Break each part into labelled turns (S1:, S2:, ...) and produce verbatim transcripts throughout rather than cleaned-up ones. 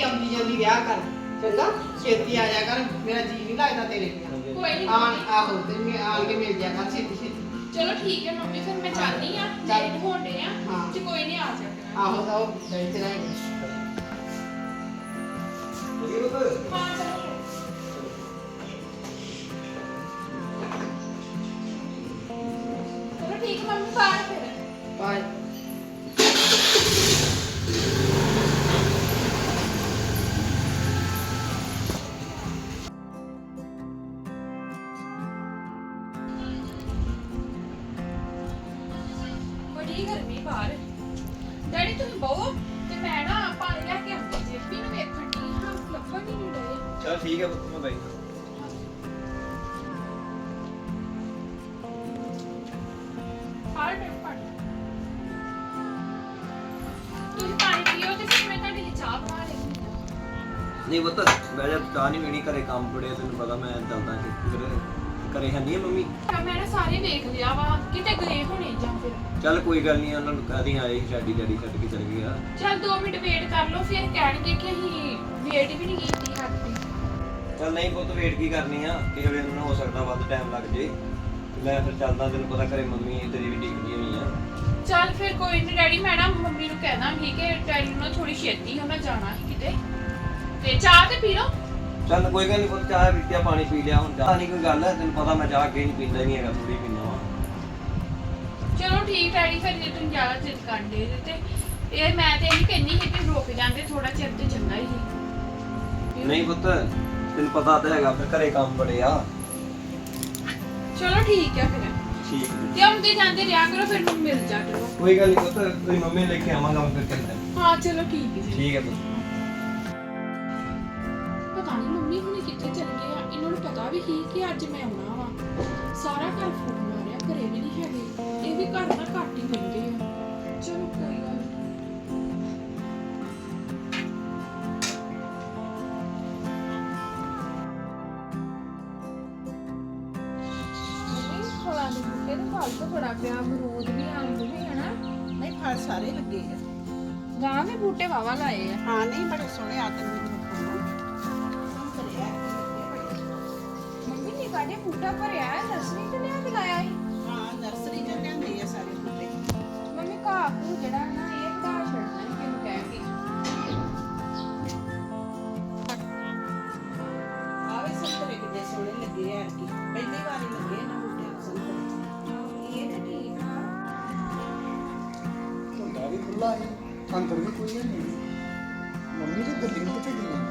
S1: ਆਉਂਦੀ ਜਲਦੀ ਵਿਆਹ ਕਰ ਚੰਗਾ ਛੇਤੀ ਆ ਜਾ ਕਰ ਮੇਰਾ ਜੀ ਨਹੀਂ ਲੱਗਦਾ ਤੇਰੇ ਬਿਨਾਂ
S2: ਕੋਈ ਨਹੀਂ
S1: ਆਣ ਆਹੋ ਤੇ ਮੈਂ ਆਣ ਕੇ ਮਿਲ ਜਾ ਕਰ ਛੇਤੀ ਛੇਤੀ
S2: ਚਲੋ ਠੀਕ ਹੈ ਮੰਮੀ ਫਿਰ ਮੈਂ ਚਾਹਨੀ ਆ ਲੇਟ ਹੋਣੇ ਆ
S1: ਹਾਂ।
S2: ਤੇ ਕੋਈ ਨਹੀਂ ਆ ਜਾਣਾ
S1: ਆਹੋ ਤਾਂ ਉਹ ਬੈਠੇ ਰਹੇ
S2: ਹਾਂ ਚਲੋ ਚਲੋ ਠੀਕ ਹੈ ਮੰਮੀ ਬਾਹਰ ਫਿਰ
S1: ਬਾਏ
S2: ਬੜੀ ਗਰਮੀ ਬਾਹਰ ਡੈਡੀ ਤੁਸੀਂ ਬਹੁ ਤੇ ਮੈਂ ਨਾ ਪਾਣੀ ਲੈ ਕੇ ਆਉਂਦੀ ਜੇ ਵੀ ਨੂੰ ਵੇਖਣ ਦੀ ਹਾਂ ਲੱਭਣ ਹੀ ਨਹੀਂ ਰਹੇ
S3: ਚਲ ਠੀਕ ਹੈ ਪੁੱਤ ਮੈਂ ਬਾਈ
S2: ਹਾਲ ਟਾਈਮ ਪਾਣੀ ਤੁਸੀਂ ਪਾਣੀ ਪੀਓ ਤੇ ਫਿਰ ਮੈਂ ਤੁਹਾਡੇ ਲਈ ਚਾਹ ਬਣਾ ਲੈਂਦੀ ਹਾਂ
S3: ਨਹੀਂ ਪੁੱਤ ਮੈਂ ਜਦ ਚਾਹ ਨਹੀਂ ਪੀਣੀ ਘਰੇ ਕੰਮ ਪੜਿਆ ਤੈਨੂੰ ਪਤਾ ਮੈਂ ਚੱਲਦਾ ਕਿ ਫਿਰ ਘਰੇ ਹੈ ਨਹੀਂ ਮੰਮੀ
S2: ਮੈਂ ਨਾ ਸਾਰੇ ਵੇਖ ਲਿਆ ਵਾ ਕਿਤੇ ਗਏ ਹੋਣੇ ਜਾਂ ਫਿਰ
S3: ਚੱਲ ਕੋਈ ਗੱਲ ਨਹੀਂ ਉਹਨਾਂ ਨੂੰ ਕਹਦੀ ਆਏ ਸੀ ਸਾਡੀ ਡੈਡੀ ਛੱਡ ਕੇ ਚਲ ਗਿਆ
S2: ਚਲ ਦੋ ਮਿੰਟ ਵੇਟ ਕਰ ਲਓ ਫਿਰ ਕਹਿਣਗੇ ਕਿ ਅਸੀਂ ਵੇਟ ਵੀ ਨਹੀਂ ਕੀਤੀ ਹੱਥ
S3: ਚੱਲ ਨਹੀਂ ਪੁੱਤ ਵੇਟ ਕੀ ਕਰਨੀ ਆ ਕਿਸੇ ਵੇਲੇ ਉਹਨਾਂ ਨੂੰ ਹੋ ਸਕਦਾ ਵੱਧ ਟਾਈਮ ਲੱਗ ਜੇ ਮੈਂ ਫਿਰ ਚੱਲਦਾ ਤੈਨੂੰ ਪਤਾ ਘਰੇ ਮੰਮੀ ਤੇਰੀ ਵੀ ਡੀਕਦੀ ਹੋਈ ਆ
S2: ਚੱਲ ਫਿਰ ਕੋਈ ਨਹੀਂ ਡੈਡੀ ਮੈਂ ਨਾ ਮੰਮੀ ਨੂੰ ਕਹਿ ਦਾਂਗੀ ਕਿ ਡੈਡੀ ਨੂੰ ਥੋੜੀ ਛੇਤੀ ਉਹਨਾਂ ਜਾਣਾ ਸੀ ਕਿਤੇ ਤੇ ਚਾਹ ਤੇ ਪੀ ਲਓ
S3: ਚੱਲ ਕੋਈ ਗੱਲ ਨਹੀਂ ਪੁੱਤ ਚਾਹ ਪੀਤਿਆ ਪਾਣੀ ਪੀ ਲਿਆ ਹੁਣ ਚਾਹ ਨਹੀਂ ਕੋਈ ਗੱਲ ਹੈ ਤੈਨੂੰ ਪਤਾ ਮੈਂ ਚਾਹ ਅੱਗੇ ਨਹੀਂ ਪੀਂਦਾ ਨਹੀਂ ਹੈਗਾ ਥੋੜੀ ਪੀਂਦਾ ਵਾ
S2: ਚਲੋ ਠੀਕ ਡੈਡੀ ਫਿਰ ਜੇ ਤੁਸੀਂ ਜ਼ਿਆਦਾ ਜਿੱਦ ਕਰਦੇ ਜੇ ਤੇ ਇਹ ਮੈਂ ਤੇ ਇਹੀ ਕਹਿੰਨੀ ਸੀ ਕਿ ਰੁਕ ਜਾਂਦੇ ਥੋੜਾ ਚਿਰ ਤੇ ਚੰਗਾ ਹੀ ਸੀ
S3: ਨਹੀਂ ਪੁੱਤ ਤੈਨੂੰ ਪਤਾ ਤਾਂ ਹੈਗਾ ਫਿਰ ਘਰੇ ਕੰਮ ਬੜੇ ਆ
S2: ਚਲੋ ਠੀਕ ਹੈ ਫਿਰ
S3: ਠੀਕ ਹੈ
S2: ਤੇ ਆਉਂਦੇ ਜਾਂਦੇ ਰਿਹਾ ਕਰੋ ਫਿਰ ਮੈਨੂੰ ਮਿਲ ਜਾ ਕਰੋ
S3: ਕੋਈ ਗੱਲ ਨਹੀਂ ਪੁੱਤ ਤੇਰੀ ਮੰਮੀ ਲੈ ਕੇ ਆਵਾਂਗਾ ਮੈਂ ਫਿਰ ਚੱਲਦਾ
S2: ਹਾਂ ਚਲੋ ਠੀਕ ਹੈ ਜੀ
S3: ਠੀਕ ਹੈ ਪੁੱਤ
S2: ਪਤਾ ਨਹੀਂ ਮੰਮੀ ਹੁਣੇ ਕਿੱਥੇ ਚਲ ਗਏ ਆ ਇਹਨਾਂ ਨੂੰ ਪਤਾ ਵੀ ਸੀ ਕਿ ਅੱਜ ਮੈਂ ਆਉਣਾ ਵਾ ਸਾਰਾ ਘਰ ਫੋਨ ਮਾਰਿਆ ਘਰੇ ਵੀ ਨਹੀਂ ਹੈਗੇ ਇਹ ਵੀ ਘਰ ਦਾ ਘੱਟ ਹੀ ਰਹਿੰਦੇ ਆ ਚਲੋ ਕੋਈ ਗੱਲ ਨੀ। ਮੰਮੀ ਫਲਾਂ ਦੇ ਬੂਟੇ ਤੇ ਫਲ ਤਾਂ ਬੜਾ ਪਿਆ ਅਮਰੂਦ ਵੀ ਅੰਬ ਵੀ ਹਨਾ
S1: ਨਹੀਂ ਫਲ ਸਾਰੇ ਲੱਗੇ ਆ
S2: ਗਾਂ ਵੀ ਬੂਟੇ ਵਾਵਾ ਲਾਏ ਆ
S1: ਹਾਂ ਨਹੀਂ ਬੜੇ ਸੋਹਣੇ ਆ ਤੈਨੂੰ ਸੰਤਰੇ ਆ
S2: ਮੰਮੀ ਨੇ ਕਾਡੇ ਬੂਟਾ ਭਰਿਆ ਹੈ ਨਰਸਰੀ ਤੇ ਲਿਆ ਕੇ ਲਾਇਆ ਸੀ
S1: ਹਾਂ ਨਰਸਰੀ ਚ ਲਿਆਂਦੇ ਆ ਸਾਰੇ ਬੂਟੇ
S2: ਮੰਮੀ ਘਾਹ ਘੂ ਜਿਹੜਾ ਨਾ ਇਹ ਵਧਾ ਛੱਡਣਾ ਹੀ ਕਿਉਂ ਕਹਿ ਕੇ
S1: ਆਵੇ ਸੰਤਰੇ ਕਿੱਡੇ ਸੋਹਣੇ ਲੱਗੇ ਆ ਕਿ ਪਹਿਲੀ ਵਾਰੀ ਲੱਗੇ ਨਾ ਬੂਟੇ ਸੰਤਰੇ
S2: ਇਹ ਤਾਂ ਠੀਕ ਆ
S4: ਝੰਡਾ ਵੀ ਖੁੱਲਾ ਹੈ ਅੰਦਰ ਵੀ ਕੋਈ ਨਹੀਂ ਮੰਮੀ ਦੀ ਗੱਡੀ ਕਿੱਥੇ ਗਈ ਹੈ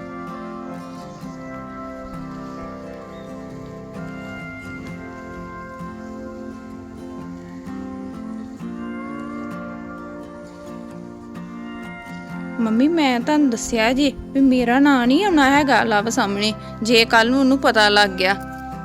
S5: ਮੰਮੀ ਮੈਂ ਤੁਹਾਨੂੰ ਦੱਸਿਆ ਜੀ ਵੀ ਮੇਰਾ ਨਾਂ ਨਹੀਂ ਆਉਣਾ ਹੈਗਾ ਲਵ ਸਾਹਮਣੇ ਜੇ ਕੱਲ ਨੂੰ ਉਹਨੂੰ ਪਤਾ ਲੱਗ ਗਿਆ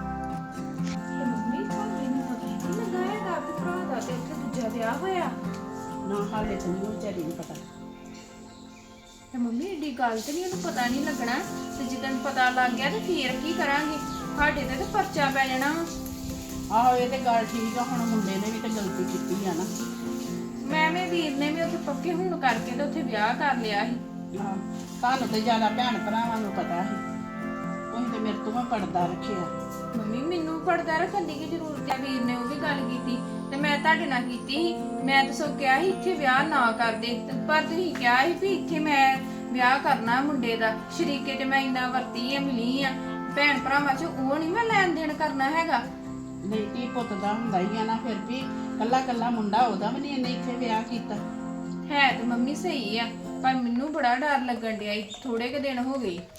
S2: ਮੰਮੀ ਤੁਹਾਨੂੰ ਇਹਨੂੰ ਪਤਾ ਹੀ ਨਹੀਂ ਲੱਗਾ ਹੈਗਾ ਕਿ ਭਰਾ ਦਾ ਤੇ ਉੱਥੇ ਦੂਜਾ ਵਿਆਹ ਹੋਇਆ
S1: ਨਾ ਹਾਲੇ ਤਾਂ ਨਹੀਂ ਵਿਚਾਰੀ ਨੂੰ ਪਤਾ
S2: ਤੇ ਮੰਮੀ ਏਡੀ ਗੱਲ ਤੇ ਨਹੀਂ ਉਹਨੂੰ ਪਤਾ ਨਹੀਂ ਲੱਗਣਾ ਤੇ ਜਦੋਂ ਪਤਾ ਲੱਗ ਗਿਆ ਤੇ ਫੇਰ ਕੀ ਕਰਾਂਗੇ ਸਾਡੇ ਤੇ ਤਾਂ ਪਰਚਾ ਪੈ ਜਾਣਾ
S1: ਆਹੋ ਇਹ ਤੇ ਗੱਲ ਠੀਕ ਆ ਹੁਣ ਮੁੰਡੇ ਨੇ ਵੀ ਤਾਂ ਗਲਤੀ ਕੀਤੀ ਆ ਨਾ
S2: ਮੈਂ ਵੀ ਵੀਰ ਨੇ ਵੀ ਉੱਥੇ ਪੱਕੇ ਹੁਣ ਕਰਕੇ ਤੇ ਉੱਥੇ ਵਿਆਹ ਕਰ ਲਿਆ ਸੀ
S1: ਹਾਂ ਤੁਹਾਨੂੰ ਤੇ ਜ਼ਿਆਦਾ ਭੈਣ ਭਰਾਵਾਂ ਨੂੰ ਪਤਾ ਸੀ ਤੁਸੀਂ ਤੇ ਮੇਰੇ ਤੋਂ ਵੀ ਪਰਦਾ ਰੱਖਿਆ
S2: ਮੰਮੀ ਮੈਨੂੰ ਪਰਦਾ ਰੱਖਣ ਦੀ ਕੀ ਜ਼ਰੂਰਤ ਹੈ ਵੀਰ ਨੇ ਉਹ ਵੀ ਗੱਲ ਕੀਤੀ ਤੇ ਮੈਂ ਤੁਹਾਡੇ ਨਾਲ ਕੀਤੀ ਸੀ ਮੈਂ ਤਾਂ ਸੋ ਕਿਹਾ ਸੀ ਇੱਥੇ ਵਿਆਹ ਨਾ ਕਰਦੇ ਤੇ ਪਰ ਤੁਸੀਂ ਕਿਹਾ ਸੀ ਵੀ ਇੱਥੇ ਮੈਂ ਵਿਆਹ ਕਰਨਾ ਮੁੰਡੇ ਦਾ ਸ਼ਰੀਕੇ ਤੇ ਮੈਂ ਇੰਨਾ ਵਰਤੀ ਆ ਮਿਲੀ ਆ ਭੈਣ ਭਰਾਵਾਂ ਚ ਉਹ ਨਹੀਂ ਮੈਂ ਲੈਣ ਦੇਣ ਕਰਨਾ ਹੈਗਾ
S1: ਨਹੀਂ ਧੀ ਪੁੱਤ ਦਾ ਹੁੰਦਾ ਹੀ ਆ ਨਾ ਫਿਰ ਵੀ ਕੱਲਾ ਕੱਲਾ ਮੁੰਡਾ ਉਹਦਾ ਵੀ ਨਹੀਂ ਇਹਨੇ ਇੱਥੇ ਵਿਆਹ ਕੀਤਾ
S2: ਹੈ ਤੇ ਮੰਮੀ ਸਹੀ ਆ ਪਰ ਮੈਨੂੰ ਬੜਾ ਡਰ ਲੱਗਣ ਡਿਆ ਥੋੜੇ ਕੁ ਦਿਨ ਹੋ ਗਏ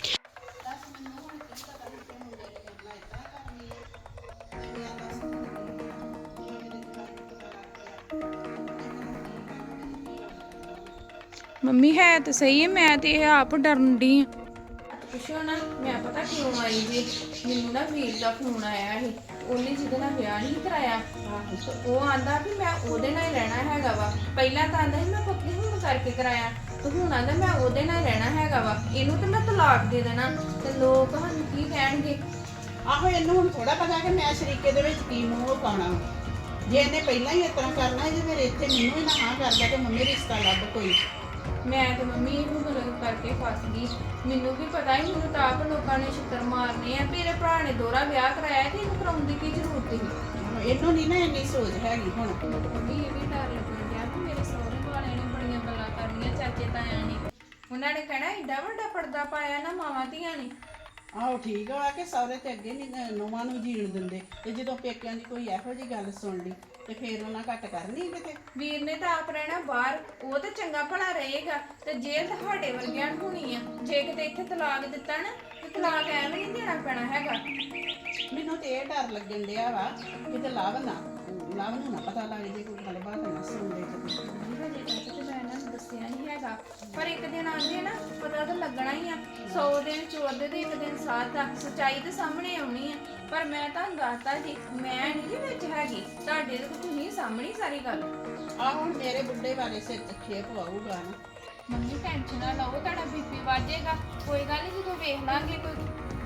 S5: ਮੰਮੀ ਹੈ ਤਾਂ ਸਹੀ ਹੈ ਮੈਂ ਤੇ ਇਹ ਆਪ ਡਰਨ ਡਈ ਆ
S2: ਪੁੱਛੋ ਨਾ ਮੈਂ ਪਤਾ ਕਿਉਂ ਆਈ ਜੀ ਮੈਨੂੰ ਨਾ ਵੀਰ ਦਾ ਫੋਨ ਆਇਆ ਸੀ ਉਹਨੇ ਜਿਹਦੇ ਨਾਲ ਵਿਆਹ ਨਹੀਂ ਕਰਾਇਆ ਤੇ ਉਹ ਆਂਦਾ ਵੀ ਮੈਂ ਉਹਦੇ ਨਾਲ ਹੀ ਰਹਿਣਾ ਹੈਗਾ ਵਾ ਪਹਿਲਾਂ ਤਾਂ ਆਂਦਾ ਸੀ ਮੈਂ ਪੱਕੀ ਹੁਣ ਕਰਕੇ ਕਰਾਇਆ ਤੇ ਹੁਣ ਆਂਦਾ ਮੈਂ ਉਹਦੇ ਨਾਲ ਹੀ ਰਹਿਣਾ ਹੈਗਾ ਵਾ ਇਹਨੂੰ ਤੇ ਮੈਂ ਤਲਾਕ ਦੇ ਦੇਣਾ ਤੇ ਲੋਕ ਸਾਨੂੰ ਕੀ ਕਹਿਣਗੇ
S1: ਆਹੋ ਇਹਨੂੰ ਹੁਣ ਥੋੜਾ ਪਤਾ ਕਿ ਮੈਂ ਸ਼ਰੀਕੇ ਦੇ ਵਿੱਚ ਕੀ ਮੂੰਹ ਪਾਉਣਾ ਜੇ ਇਹਨੇ ਪਹਿਲਾਂ ਹੀ ਇਸ ਤਰ੍ਹਾਂ ਕਰਨਾ ਇਹਦੇ ਫਿਰ ਇੱਥੇ ਮੈਨੂੰ ਹੀ ਨਾ ਹਾਂ ਕਰਦਾ ਕਿ ਮੰਮੀ ਰਿਸ਼ਤਾ ਲੱਭ ਕੋਈ
S2: ਮੈਂ ਤੇ ਮੰਮੀ ਇਹਨੂੰ ਗਲਤ ਕਰਕੇ ਫਸ ਗਈ। ਮੈਨੂੰ ਵੀ ਪਤਾ ਹੀ ਮੈਨੂੰ ਤਾਂ ਆਪ ਲੋਕਾਂ ਨੇ ਛਿੱਤਰ ਮਾਰਨੇ ਆ ਵੀ ਇਹਦੇ ਭਰਾ ਨੇ ਦੋਹਰਾ ਵਿਆਹ ਕਰਾਇਆ ਤੇ ਇਹਨੂੰ ਕਰਾਉਣ ਦੀ ਕੀ ਜ਼ਰੂਰਤ ਸੀ।
S1: ਇਹਨੂੰ ਨਹੀਂ ਨਾ ਇੰਨੀ ਸੋਚ ਹੈਗੀ ਹੁਣ।
S2: ਮੰਮੀ ਇਹ ਵੀ ਡਰ ਲੱਗਣ ਡਿਆ ਵੀ ਮੇਰੇ ਸਹੁਰੇ ਵਾਲਿਆਂ ਨੇ ਬੜੀਆਂ ਗੱਲਾਂ ਕਰਨੀਆਂ ਚਾਚੇ ਤਾਇਆਂ ਨੇ। ਉਹਨਾਂ ਨੇ ਕਹਿਣਾ ਏਡਾ ਵੱਡਾ ਪਰਦਾ ਪਾਇਆ ਨਾ ਮਾਵਾਂ ਧੀਆਂ ਨੇ।
S1: ਆਹੋ ਠੀਕ ਆ ਕਿ ਸਹੁਰੇ ਤੇ ਅੱਗੇ ਨਹੀਂ ਨੂੰਹਾਂ ਨੂੰ ਜੀਣ ਦਿੰਦੇ, ਤੇ ਜਦੋਂ ਪੇਕਿਆਂ ਦੀ ਕੋਈ ਇਹੋ ਜਿਹੀ ਗੱਲ ਸੁਣ ਲਈ ਤੇ ਫੇਰ ਉਹਨਾਂ ਘੱਟ ਕਰਨੀ ਕਿਤੇ।
S2: ਵੀਰ ਨੇ ਤਾਂ ਆਪ ਰਹਿਣਾ ਬਾਹਰ, ਉਹ ਤਾਂ ਚੰਗਾ ਭਲਾ ਰਹੇਗਾ ਤੇ ਜੇਲ੍ਹ ਤੁਹਾਡੇ ਵਰਗਿਆਂ ਨੂੰ ਹੋਣੀ ਆ। ਜੇ ਕਿਤੇ ਇੱਥੇ ਤਲਾਕ ਦਿੱਤਾ ਨਾ ਤੇ ਤਲਾਕ ਐਵੇਂ ਨਹੀਂ ਦੇਣਾ ਪੈਣਾ ਹੈਗਾ।
S1: ਮੈਨੂੰ ਤੇ ਇਹ ਡਰ ਲੱਗਣ ਡਿਆ ਵਾ ਕਿਤੇ ਲਾਭ ਨਾ ਲਾਭ ਨੂੰ ਨਾ ਪਤਾ ਲੱਗ ਜੇ ਕੋਈ ਗੱਲਬਾਤ ਨਾ ਸੁਣ ਲੈ ਤੇ
S2: ਹਜੇ ਤੱਕ ਤੇ ਮੈਂ ਇਹਨਾਂ ਨੂੰ ਦੱਸਿਆ ਨਹੀਂ ਹੈਗਾ, ਪਰ ਇੱਕ ਦਿਨ ਆਂਦੇ ਨਾ ਪਤਾ ਤਾਂ ਲੱਗਣਾ ਹੀ ਆ। ਸੌ ਦਿਨ ਚੋਰਦੇ ਤੇ ਇੱਕ ਦਿਨ ਸਾਥ ਆ, ਸੱਚਾਈ ਤੇ ਸਾਹਮਣੇ ਆਉਣੀ ਆ। ਪਰ ਮੈਂ ਤੁਹਾਨੂੰ ਦੱਸਤਾ ਜੀ, ਮੈਂ ਨਹੀਂ ਜੀ ਵਿੱਚ ਹੈਗੀ ਤੁਹਾਡੇ ਤੇ, ਤੁਸੀਂ ਸਾਹਮਣੇ ਸਾਰੀ ਗੱਲ।
S1: ਆ ਹੁਣ ਮੇਰੇ ਬੁੱਢੇ ਬਾਰੇ ਸਿਰ ਤੇ ਖੇਪ ਆਊਗਾ ਨਾ।
S2: ਮੰਮੀ ਟੈਨਸ਼ਨ ਨਾ ਲਓ, ਤੁਹਾਡਾ ਬੀਪੀ ਵੱਧ ਜਾਏਗਾ। ਕੋਈ ਗੱਲ ਨਹੀਂ, ਜਦੋਂ ਵੇਖ ਲਾਂਗੇ ਕੋਈ।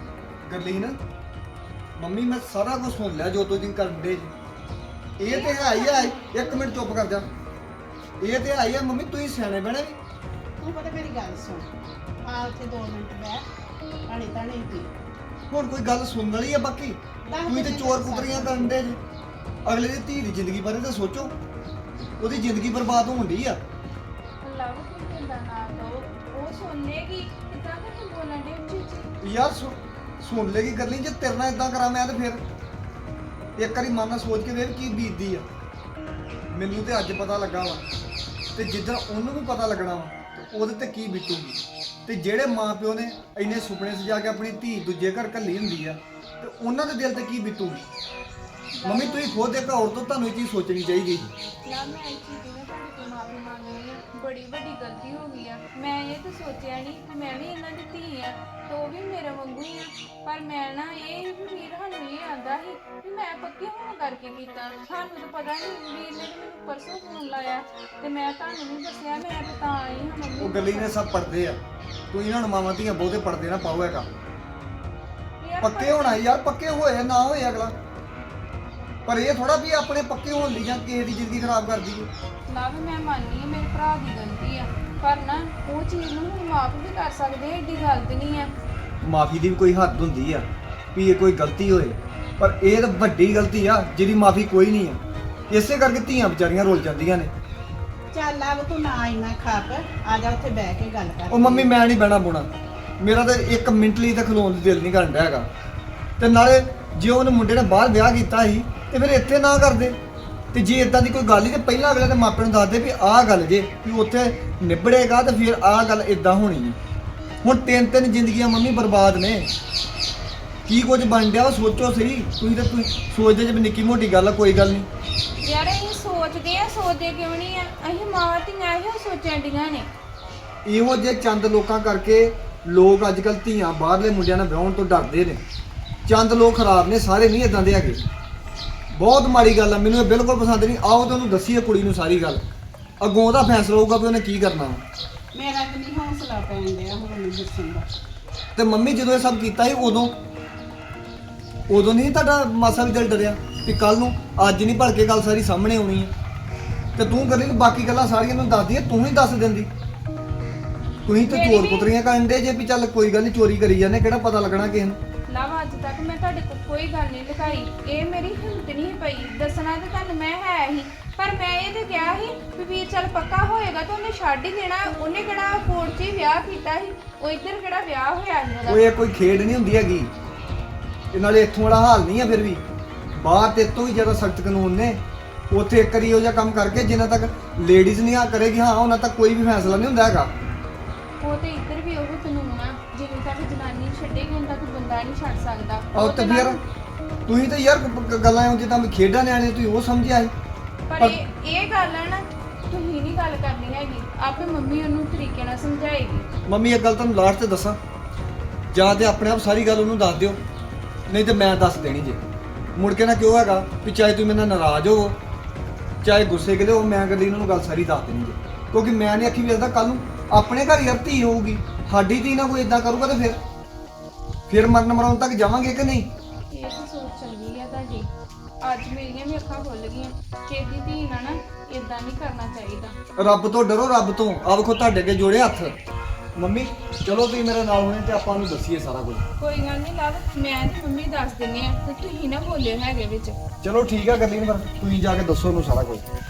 S4: ਗਰਲੀਨ ਮੰਮੀ ਮੈਂ ਸਾਰਾ ਕੁਝ ਸੁਣ ਲਿਆ ਜੋ ਤੁਸੀਂ ਕਰਨ ਦੇ ਜੀ। ਇਹ ਤੇ ਹੈ ਹੀ ਆ। ਇੱਕ ਮਿੰਟ ਚੁੱਪ ਕਰ ਜਾ। ਇਹ ਤੇ ਹੈ ਹੀ ਆ ਮੰਮੀ, ਤੁਸੀਂ ਸਿਆਣੇ ਬਣੇ ਵੀ।
S1: ਤੂੰ ਪਤਾ ਮੇਰੀ ਗੱਲ ਸੁਣ, ਆ ਉੱਥੇ ਦੋ ਮਿੰਟ ਬਹਿ ਪਾਣੀ ਤਾਣੀ ਪੀ।
S4: ਹੁਣ ਕੋਈ ਗੱਲ ਸੁਣਨ ਵਾਲੀ ਆ ਬਾਕੀ? ਤੁਸੀਂ ਤੇ ਚੋਰ ਪੁੱਤਰੀਆਂ ਕਰਨ ਦੇ ਜੀ। ਅਗਲੇ ਦੀ ਧੀ ਦੀ ਜ਼ਿੰਦਗੀ ਬਾਰੇ ਤਾਂ ਸੋਚੋ, ਉਹਦੀ ਜ਼ਿੰਦਗੀ ਬਰਬਾਦ ਹੋਣ ਡਈ ਆ।
S2: ਲਵ ਕੋਈ ਕਹਿੰਦਾ ਨਾ ਦੋ, ਉਹ ਸੁਣਨੇਗੀ ਕਿਦਾਂ ਕਿ ਬੋਲਣ ਦੇ ਉੱਚੀ ਉੱਚੀ।
S4: ਯਾਰ ਸੁ- ਸੁਣ ਲੇਗੀ ਗਰਲੀ, ਜੇ ਤੇਰੇ ਨਾਲ ਇਦਾਂ ਕਰਾਂ ਮੈਂ ਤੇ ਫਿਰ ਇੱਕ ਵਾਰੀ ਮਨ ਨਾਲ ਸੋਚ ਕੇ ਵੇਖ ਕੀ ਬੀਤਦੀ ਆ। ਮੈਨੂੰ ਤੇ ਅੱਜ ਪਤਾ ਲੱਗਾ ਵਾ, ਤੇ ਜਿੱਦਣ ਉਹਨੂੰ ਵੀ ਪਤਾ ਲੱਗਣਾ ਵਾ ਤੇ ਉਹਦੇ ਤੇ ਕੀ ਬੀਤੂਗੀ। ਤੇ ਜਿਹੜੇ ਮਾਪਿਓ ਨੇ ਇੰਨੇ ਸੁਪਨੇ ਸਜਾ ਕੇ ਆਪਣੀ ਧੀ ਦੂਜੇ ਘਰ ਘੱਲੀ ਹੁੰਦੀ ਆ, ਤੇ ਉਹਨਾਂ ਦੇ ਦਿਲ ਤੇ ਕੀ ਬੀਤੂਗੀ। ਮੰਮੀ ਤੁਸੀਂ ਖੁਦ ਇੱਕ ਔਰਤ ਤੋਂ ਤੁਹਾਨੂੰ ਇਹ ਚੀਜ਼ ਸੋਚਣੀ ਚਾਹੀਦੀ।
S2: ਨਾ ਮੈਂ ਇਸ ਚੀਜ਼ ਦੀ ਨਾ ਤੁਹਾਡੇ ਤੋਂ ਮਾਫੀ ਮੰਗਦੀ ਆ, ਬੜੀ ਵੱਡੀ ਗਲਤੀ ਹੋ ਗਈ ਆ। ਮੈਂ ਇਹ ਤਾਂ ਸੋਚਿਆ ਨਹੀਂ ਕਿ ਮੈਂ ਵੀ ਇਹਨਾਂ ਦੀ ਧੀ ਆ ਤੇ ਉਹ ਵੀ ਮੇਰੇ ਵਾਂਗੂ ਹੀ ਆ। ਪਰ ਮੈਂ ਨਾ ਇਹ ਵੀ ਵੀਰ ਸਾਨੂੰ ਇਹ ਆਂਦਾ ਸੀ ਵੀ ਮੈਂ ਪੱਕੇ ਹੋਣ ਕਰਕੇ ਕੀਤਾ। ਸਾਨੂੰ ਤਾਂ ਪਤਾ ਨਹੀਂ, ਵੀਰ ਨੇ ਤਾਂ ਮੈਨੂੰ ਪਰਸੋਂ ਫੋਨ ਲਾਇਆ ਤੇ ਮੈਂ ਤੁਹਾਨੂੰ ਨਹੀਂ ਦੱਸਿਆ। ਮੈਂ ਤਾਂ ਤਾਂ ਆਈ ਹਾਂ ਮੰਮੀ।
S4: ਉਹ ਗਰਲੀ ਨੇ ਸਭ ਪੜਦੇ ਆ, ਤੁਸੀਂ ਇਹਨਾਂ ਨੂੰ ਮਾਵਾਂ ਧੀਆਂ ਬਹੁਤੇ ਪੜਦੇ ਨਾ ਪਾਓ ਹੈਗਾ।
S2: ਯਾਰ
S4: ਪੱਕੇ ਹੋਣਾ ਯਾਰ, ਪੱਕੇ ਹੋਏ ਨਾ ਹੋਏ ਅਗਲਾ, ਪਰ ਇਹ ਥੋੜਾ ਵੀ ਆਪਣੇ ਪੱਕੇ ਹੋਣ ਲਈ ਜਾਂ ਕਿਸੇ ਦੀ ਜ਼ਿੰਦਗੀ ਖਰਾਬ ਕਰ ਦਈਏ।
S2: ਨਾ ਵੀ ਮੈਂ ਮੰਨਦੀ ਹਾਂ ਮੇਰੇ ਭਰਾ ਦੀ ਗਲਤੀ ਆ, ਪਰ ਨਾ ਉਹ ਚੀਜ਼ ਨੂੰ ਹੁਣ ਮਾਫ ਵੀ ਕਰ ਸਕਦੇ ਆ, ਏਡੀ ਗਲਤ ਨਹੀਂ ਆ।
S4: ਮਾਫੀ ਦੀ ਵੀ ਕੋਈ ਹੱਦ ਹੁੰਦੀ ਆ ਵੀ ਇਹ ਕੋਈ ਗਲਤੀ ਹੋਏ, ਪਰ ਇਹ ਤਾਂ ਵੱਡੀ ਗਲਤੀ ਆ ਜਿਹਦੀ ਮਾਫੀ ਕੋਈ ਨਹੀਂ ਆ। ਇਸੇ ਕਰਕੇ ਧੀਆਂ ਵਿਚਾਰੀਆਂ ਰੁੱਲ ਜਾਂਦੀਆਂ ਨੇ।
S1: ਚੱਲ ਆ ਤੂੰ ਨਾ ਇੰਨਾ ਖਾਪ, ਆ ਜਾ ਉੱਥੇ ਬਹਿ ਕੇ ਗੱਲ ਕਰ।
S4: ਉਹ ਮੰਮੀ ਮੈਂ ਨਹੀਂ ਬਹਿਣਾ ਬੁਣਾ, ਮੇਰਾ ਤਾਂ ਇੱਕ ਮਿੰਟ ਲਈ ਤਾਂ ਖਲੋਣ ਦਾ ਦਿਲ ਨਹੀਂ ਕਰਨ ਡਿਆ ਹੈਗਾ। ਤੇ ਨਾਲੇ ਜੇ ਉਹਨੇ ਮੁੰਡੇ ਨੇ ਬਾਹਰ ਵਿਆਹ ਕੀਤਾ ਸੀ ਤੇ ਫਿਰ ਇੱਥੇ ਨਾ ਕਰਦੇ। ਤੇ ਜੇ ਇਦਾਂ ਦੀ ਕੋਈ ਗੱਲ ਹੀ ਤੇ ਪਹਿਲਾਂ ਅਗਲੇ ਦੇ ਮਾਪਿਆਂ ਨੂੰ ਦੱਸਦੇ ਵੀ ਆਹ ਗੱਲ ਜੇ ਵੀ ਉੱਥੇ ਨਿਬੜੇਗਾ ਤੇ ਫਿਰ ਆਹ ਗੱਲ ਇਦਾਂ ਹੋਣੀ ਹੈ। ਹੁਣ ਤਿੰਨ ਤਿੰਨ ਜ਼ਿੰਦਗੀਆਂ ਮੰਮੀ ਬਰਬਾਦ ਨੇ। ਕੀ ਕੁਝ ਬਣ ਗਿਆ ਉਹ ਸੋਚੋ ਸਹੀ। ਤੁਸੀਂ ਤਾਂ ਤੁਸੀਂ ਸੋਚਦੇ ਜੇ ਵੀ ਨਿੱਕੀ ਮੋਟੀ ਗੱਲ ਆ, ਕੋਈ ਗੱਲ ਨਹੀਂ।
S2: ਯਾਰ ਅਸੀਂ ਸੋਚਦੇ ਆ, ਸੋਚਦੇ ਕਿਉਂ ਨਹੀਂ ਆ? ਅਸੀਂ ਮਾਵਾਂ ਧੀਆਂ ਇਹੋ ਸੋਚਣ ਡੀਆਂ ਨੇ।
S4: ਇਹੋ ਜਿਹੇ ਚੰਦ ਲੋਕਾਂ ਕਰਕੇ ਲੋਕ ਅੱਜ ਕੱਲ੍ਹ ਧੀਆਂ ਬਾਹਰਲੇ ਮੁੰਡਿਆਂ ਨਾਲ ਵਿਆਹਣ ਤੋਂ ਡਰਦੇ ਨੇ। ਚੰਦ ਲੋਕ ਖਰਾਬ ਨੇ, ਸਾਰੇ ਨਹੀਂ ਇਦਾਂ ਦੇ ਹੈਗੇ। ਬਹੁਤ ਮਾੜੀ ਗੱਲ ਆ, ਮੈਨੂੰ ਇਹ ਬਿਲਕੁਲ ਪਸੰਦ ਨਹੀਂ। ਆਓ ਤੇ ਉਹਨੂੰ ਦੱਸੀਏ ਕੁੜੀ ਨੂੰ ਸਾਰੀ ਗੱਲ, ਅੱਗੋਂ ਉਹਦਾ ਫੈਸਲਾ ਹੋਊਗਾ ਵੀ ਉਹਨੇ ਕੀ ਕਰਨਾ।
S1: ਮੇਰਾ ਤੇ ਨਹੀਂ ਹੌਸਲਾ ਪੈਣ ਡਿਆ ਹੁਣ ਮੈਨੂੰ ਦੱਸਣ ਦਾ।
S4: ਤੇ ਮੰਮੀ ਜਦੋਂ ਇਹ ਸਭ ਕੀਤਾ ਸੀ ਉਦੋਂ ਉਦੋਂ ਨਹੀਂ ਤੁਹਾਡਾ ਮਾਸਾ ਵੀ ਦਿਲ ਡਰਿਆ ਕਿ ਕੱਲ ਨੂੰ ਅੱਜ ਨਹੀਂ ਭਲਕੇ ਗੱਲ ਸਾਰੀ ਸਾਹਮਣੇ ਆਉਣੀ ਹੈ। ਤੇ ਤੂੰ ਕਰੀ ਬਾਕੀ ਗੱਲਾਂ ਸਾਰੀਆਂ ਨੂੰ ਦੱਸਦੀ ਹੈ, ਤੂੰ ਹੀ ਦੱਸ ਦਿੰਦੀ। ਤੁਸੀਂ ਤੇ ਚੋਰ ਪੁੱਤਰੀਆਂ ਕਰਨ ਦੇ ਜੇ ਵੀ ਚੱਲ ਕੋਈ ਗੱਲ ਨਹੀਂ, ਚੋਰੀ ਕਰੀ ਜਾਂਦੇ, ਕਿਹੜਾ ਪਤਾ ਲੱਗਣਾ ਕਿਸੇ ਨੂੰ।
S2: ਲਵ ਅੱਜ ਤੱਕ ਮੈਂ ਤੁਹਾਡੇ ਕੋਲ ਕੋਈ ਗੱਲ ਨਹੀਂ ਲੁਕਾਈ। ਇਹ ਮੇਰੀ ਹਿੰਮਤ ਨਹੀਂ ਪਈ ਦੱਸਣਾ ਤੇ ਤੁਹਾਨੂੰ ਮੈਂ ਹੈ ਹੀ, ਪਰ ਮੈਂ ਇਹ ਤੇ ਕਿਹਾ ਸੀ ਵੀ ਵੀਰ ਚੱਲ ਪੱਕਾ ਹੋਏਗਾ ਤਾਂ ਉਹਨੇ ਛੱਡ ਹੀ ਦੇਣਾ। ਉਹਨੇ ਕਿਹੜਾ ਕੋਰਟ 'ਚ ਹੀ ਵਿਆਹ ਕੀਤਾ ਸੀ, ਉਹ ਇੱਧਰ ਕਿਹੜਾ ਵਿਆਹ ਹੋਇਆ ਸੀ ਉਹਦਾ।
S4: ਉਹ ਇਹ ਕੋਈ ਖੇਡ ਨਹੀਂ ਹੁੰਦੀ ਹੈਗੀ। ਇਹ ਨਾਲੇ ਇੱਥੋਂ ਵਾਲਾ ਹਾਲ ਨਹੀਂ ਆ। ਫਿਰ ਵੀ ਬਾਹਰ ਤੇ ਤੋਂ ਵੀ ਜ਼ਿਆਦਾ ਸਖਤ ਕਾਨੂੰਨ ਨੇ। ਉੱਥੇ ਇੱਕ ਵਾਰੀ ਇਹੋ ਜਿਹਾ ਕੰਮ ਕਰਕੇ ਜਿੰਨਾ ਤੱਕ ਲੇਡੀਜ਼ ਨਹੀਂ ਆ ਕਰੇਗੀ ਹਾਂ ਉਹਨਾਂ ਤੱਕ ਕੋਈ ਵੀ ਫੈਸਲਾ ਨਹੀਂ ਹੁੰਦਾ ਹੈਗਾ।
S2: ਉਹ ਤੇ ਇੱਧਰ ਵੀ ਉਹ ਕਾਨੂੰਨ ਆ, ਜਿਵੇਂ ਤੱਕ ਜਨਾਨੀ ਛੱਡੇਗੀ ਉਦੋਂ ਤੱਕ ਬੰਦਾ ਨਹੀਂ ਛੱਡ ਸਕਦਾ।
S4: ਆਹ ਤੇ ਫਿਰ ਤੁਸੀਂ ਤਾਂ ਯਾਰ ਗ- ਗੱਲਾਂ ਉਹ ਜਿੱਦਾਂ ਵੀ ਖੇਡਾਂ ਨਿਆਣੇ ਤੁਸੀਂ ਉਹ ਸਮਝਿਆ ਸੀ।
S2: ਪਰ ਇਹ ਇਹ ਗੱਲ ਹੈ ਨਾ, ਤੁਸੀਂ ਨਹੀਂ ਗੱਲ ਕਰਨੀ ਹੈਗੀ, ਆਪੇ ਮੰਮੀ ਉਹਨੂੰ ਤਰੀਕੇ ਨਾਲ ਸਮਝਾਏਗੀ।
S4: ਮੰਮੀ ਇੱਕ ਗੱਲ ਤੁਹਾਨੂੰ ਲਾਸਟ ਤੇ ਦੱਸਾਂ, ਜਾਂ ਤੇ ਆਪਣੇ ਆਪ ਸਾਰੀ ਗੱਲ ਉਹਨੂੰ ਦੱਸ ਦਿਓ, ਨਹੀਂ ਤੇ ਮੈਂ ਦੱਸ ਦੇਣੀ ਜੇ। ਮੁੜ ਕੇ ਨਾ ਕਿਉਂ ਹੈਗਾ ਵੀ ਚਾਹੇ ਤੁਸੀਂ ਮੇਰੇ ਨਾਲ ਨਾਰਾਜ਼ ਹੋਵੋ ਚਾਹੇ ਗੁੱਸੇ ਕਿਲੇ ਹੋ, ਮੈਂ ਕਦੀ ਇਹਨਾਂ ਨੂੰ ਗੱਲ ਸਾਰੀ ਦੱਸ ਦੇਣੀ ਜੇ। ਕਿਉਂਕਿ ਮੈਂ ਨਹੀਂ ਅੱਖੀ ਵੇਖਦਾ ਕੱਲ ਨੂੰ ਆਪਣੇ ਘਰ ਯਾਰ ਧੀ ਹੋਊਗੀ, ਸਾਡੀ ਧੀ ਨਾ ਕੋਈ ਇਦਾਂ ਕਰੂਗਾ ਤੇ ਫਿਰ ਫਿਰ ਮਰਨ ਮਰਾਉਣ ਤੱਕ ਜਾਵਾਂਗੇ ਕਿ ਨਹੀਂ।
S2: ਇਹ ਤਾਂ ਸੋਚ ਚੰਗੀ ਆ ਤੁਹਾਡੀ। ਅੱਜ ਮੇਰੀਆਂ ਵੀ ਅੱਖਾਂ ਖੁੱਲ ਗਈਆਂ ਕਿ ਇਹਦੀ ਧੀ ਨਾਲ ਨਾ ਇਦਾਂ ਨਹੀਂ ਕਰਨਾ ਚਾਹੀਦਾ।
S4: ਰੱਬ ਤੋਂ ਡਰੋ, ਰੱਬ ਤੋਂ। ਆ ਵੇਖੋ ਤੁਹਾਡੇ ਅੱਗੇ ਜੋੜੇ ਹੱਥ। ਮੰਮੀ ਚਲੋ ਤੁਸੀਂ ਮੇਰੇ ਨਾਲ ਹੋਣੇ ਤੇ ਆਪਾਂ ਨੂੰ ਦੱਸੀਏ ਸਾਰਾ ਕੁਝ।
S2: ਕੋਈ ਗੱਲ ਨਹੀਂ ਲਵ, ਮੈਂ ਤੇ ਮੰਮੀ ਦੱਸ ਦਿੰਨੇ ਆ ਤੇ ਤੁਸੀਂ ਨਾ ਬੋਲਿਓ ਹੈਗੇ ਵਿੱਚ।
S4: ਚਲੋ ਠੀਕ ਆ ਗਰਲੀਨ, ਫਿਰ ਤੁਸੀਂ ਜਾ ਕੇ ਦੱਸੋ ਉਹਨੂੰ ਸਾਰਾ ਕੁਝ।